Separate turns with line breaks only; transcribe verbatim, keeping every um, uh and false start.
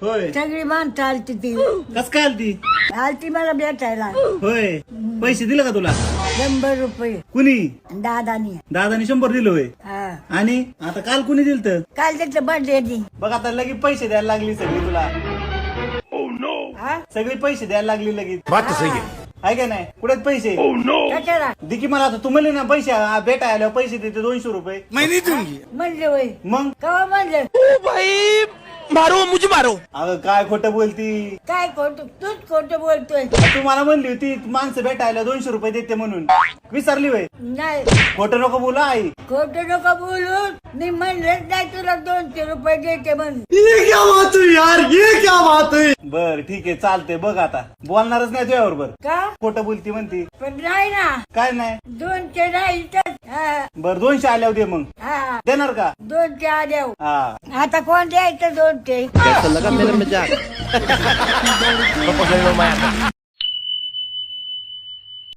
होय
सगळी माणसं आलती ती
कस काय आलती
आलती मला भेटायला
होय पैसे दिले का तुला
शंभर रुपये
कुणी
दादानी
दादानी शंभर दिलं होय
हा
आणि आता काल कुणी दिलं
काल त्याचं बर्थडे दी
बघ आता लगेच पैसे द्यायला लागली सगळी तुला
हा
सगळी पैसे द्यायला लागली लगेच
बात तो सही है
आहे का नाही कुठे पैसे
कशाला
दे की मला आता तुम्हाला ना पैसे आ, भेटायला आल्यावर पैसे देते दोनशे रुपये
मैं नहीं दूंगी
म्हणले वय
मग
कवा म्हणलं
ओ भाई मारो मुझे मारो
अगं काय खोटं बोलती
काय खोट तूच खोट बोलतोय
तू मला म्हणली होती माणसं भेटायला दोनशे रुपये देते म्हणून विसरली होय
नाही
खोटं नको बोला आई
खोट नको बोलू मी म्हणलंच नाही तुला दोनशे रुपये देते म्हणून
ये क्या बात हुई यार ये क्या बात हुई बर ठीक आहे चालते बघ आता बोलणारच नाही तुझ्या बरोबर
का
खोटं बोलती म्हणती
पण नाही ना
काय नाही
दोनशे नाही तर हा
बर दोनशे आल्यावर दे मग
हा
देणार का
दोनशे आल्या
हा
आता कोण द्यायचं दोनशे
कैसा लगा मेरा मजाक